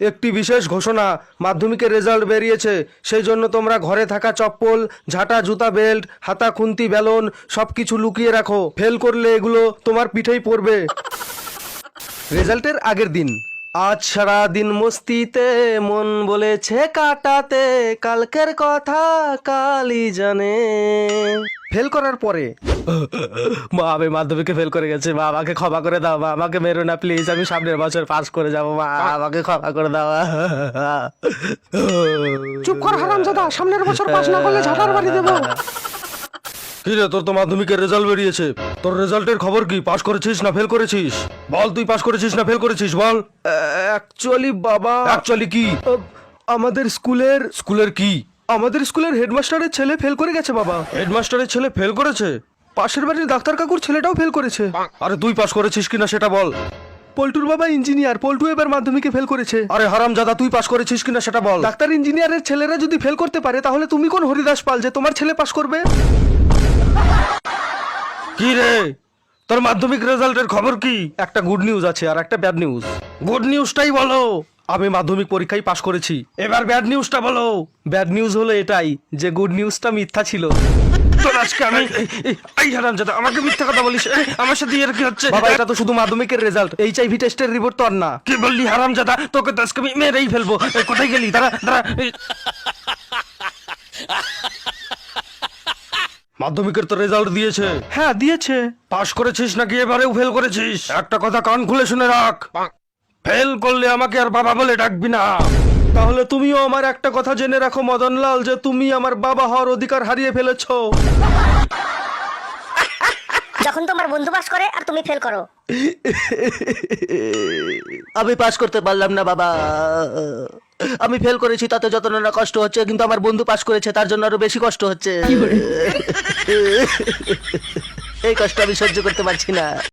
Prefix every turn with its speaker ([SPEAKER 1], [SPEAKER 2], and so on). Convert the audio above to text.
[SPEAKER 1] একটি বিশেষ ঘোষণা, মাধ্যমিকের রেজাল্ট বেরিয়েছে। সেই জন্য তোমরা ঘরে থাকা চপ্পল, ঝাঁটা, জুতা, বেল্ট, হাতা, খুন্তি, বেলুন সব কিছু লুকিয়ে রাখো। ফেল করলে এগুলো তোমার পিঠেই পড়বে। রেজাল্টের আগের দিন। আজ সারা দিন মস্তিতে মন বলেছে কাটাতে, কালকের কথা কালই জানে। ফেল করার পরে মা, আমি মাধ্যমিকে ফেল করে গেছে, মা আমাকে ক্ষমা করে দাও, মা আমাকে মেরো না প্লিজ, আমি সামনের বছর পাস করে যাবো, মা আমাকে ক্ষমা করে দাও।
[SPEAKER 2] চুপ কর হারামজাদা, সামনের বছর পাস না করলে ঝাঁটার বাড়ি দেবো।
[SPEAKER 1] কি রে, তোর তো মাধ্যমিকের রেজাল্ট বেরিয়েছে, তোর রেজাল্টের খবর কি? পাস করেছিস না ফেল করেছিস? বল, তুই পাস করেছিস না ফেল করেছিস, বল। অ্যাকচুয়ালি বাবা, অ্যাকচুয়ালি কি? আমাদের স্কুলের কি? আমাদের স্কুলের হেডমাস্টারের ছেলে ফেল করে গেছে বাবা। হেডমাস্টারের ছেলে ফেল করেছে? পাশের বাড়ির ডাক্তার কাকুর ছেলেটাও ফেল করেছে। আরে তুই পাস করেছিস কিনা সেটা বল। পল্টুর বাবা ইঞ্জিনিয়ার, পল্টু এবার মাধ্যমিকে ফেল করেছে। আরে হারামজাদা, তুই পাস করেছিস কিনা সেটা বল। ডাক্তার ইঞ্জিনিয়ারের ছেলেরা যদি ফেল করতে পারে, তাহলে তুমি কোন হরিদাস পাল যে তোমার ছেলে পাস করবে? কি রে, তোর মাধ্যমিক রেজাল্টের খবর কি? একটা গুড নিউজ আছে আর একটা ব্যাড নিউজ। গুড নিউজটাই বলো। আমি মাধ্যমিক পরীক্ষায় পাশ করেছি। এবার ব্যাড নিউজটা বলো। ব্যাড নিউজ হলো এটাই যে গুড নিউজটা মিথ্যা ছিল। তোর আজকে আমি এই হারামজাদা, আমাকে মিথ্যা কথা বলিস? আমার সাথে এর কি হচ্ছে? বাবা, এটা তো শুধু মাধ্যমিকের রেজাল্ট, এইচআইভি টেস্টের রিপোর্ট তো আর না। কি বললি হারামজাদা? তোকে তো আজকে আমি মেরেই ফেলবো। কোথায় গেলি? দাঁড়া দাঁড়া। মাধ্যমিকের তো রেজাল্ট দিয়েছে। হ্যাঁ দিয়েছে। পাস করেছিস নাকি এবারেও ফেল করেছিস? একটা কথা কান খুলে শুনে রাখ, ফেল করলে আমাকে আর বাবা বলে ডাকবি না। তাহলে তুমিও আমার একটা কথা জেনে রাখো মদনলাল, যে তুমি আমার বাবা হওয়ার অধিকার হারিয়ে ফেলেছো।
[SPEAKER 3] যখন তোমার বন্ধু পাস করে আর তুমি ফেল করো।
[SPEAKER 4] আমি পাস করতে পারলাম না বাবা। আমি ফেল করেছি, তাতে যত না কষ্ট হচ্ছে, কিন্তু আমার বন্ধু পাস করেছে, তার জন্য আরো বেশি কষ্ট হচ্ছে। এই কষ্ট আমি সহ্য করতে পারছি না।